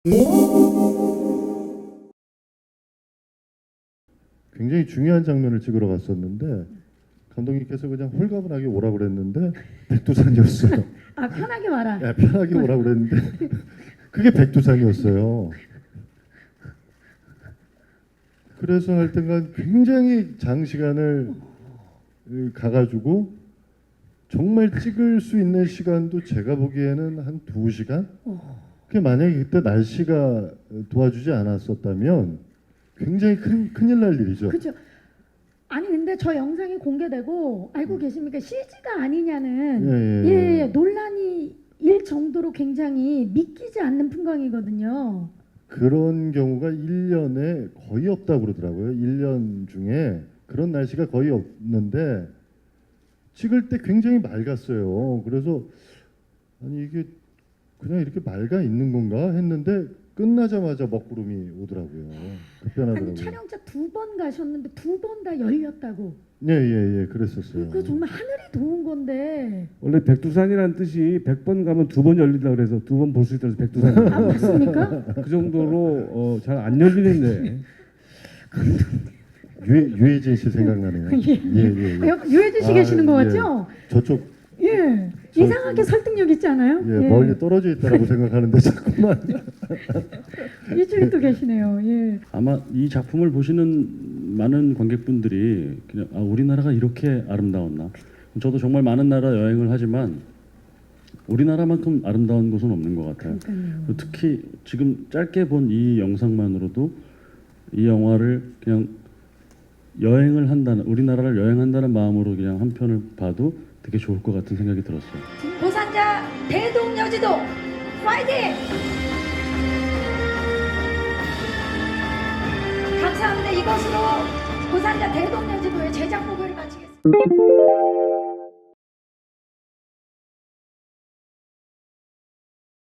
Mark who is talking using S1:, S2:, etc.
S1: 굉장히 중요한 장면을 찍으러 갔었는데 감독님께서 그냥 홀가분하게 오라고 그랬는데 백두산이었어요.
S2: 아, 편하게 말아.
S1: 야, 편하게 오라고 그랬는데 그게 백두산이었어요. 그래서 하여튼간 굉장히 장시간을 가가지고 정말 찍을 수 있는 시간도 제가 보기에는 한 2시간? 그게 만약에 그때 날씨가 도와주지 않았었다면 굉장히 큰일 날 일이죠.
S2: 그렇죠. 아니 근데 저 영상이 공개되고 알고 계십니까? CG가 아니냐는 예, 논란이 일 정도로 굉장히 믿기지 않는 풍광이거든요.
S1: 그런 경우가 1년에 거의 없다고 그러더라고요. 1년 중에 그런 날씨가 거의 없는데 찍을 때 굉장히 맑았어요. 그래서 아니 이게 그냥 이렇게 맑아 있는 건가 했는데 끝나자마자 먹구름이 오더라고요. 급변하더라고요.
S2: 아니 촬영자 2번 가셨는데 2번 다 열렸다고.
S1: 예, 그랬었어요.
S2: 그 정말 하늘이 도운 건데.
S3: 원래 백두산이라는 뜻이 100번 가면 2번 열린다 그래서 2번 볼 수 있다고 해서 백두산.
S2: 아, 맞습니까?
S3: 그 정도로 잘 안 열리는데.
S1: 유해진 씨 생각나네요. 예.
S2: 유해진 씨 계시는 거
S1: 예.
S2: 맞죠?
S1: 저쪽
S2: 예. 이상하게 설득력 있지 않아요?
S1: 예, 멀리 떨어져 있다라고 생각하는데 자꾸만
S2: 이쪽에 또 계시네요. 예.
S4: 아마 이 작품을 보시는 많은 관객분들이 그냥 우리나라가 이렇게 아름다웠나? 저도 정말 많은 나라 여행을 하지만 우리나라만큼 아름다운 곳은 없는 것 같아요.
S2: 그러니까요.
S4: 특히 지금 짧게 본 이 영상만으로도 이 영화를 그냥 여행을 한다는, 우리나라를 여행한다는 마음으로 그냥 한 편을 봐도 되게 좋을 것 같은 생각이 들었어요.
S2: 고산자 대동여지도 파이팅! 감사합니다. 이것으로 고산자 대동여지도의 제작 목요를 마치겠습니다.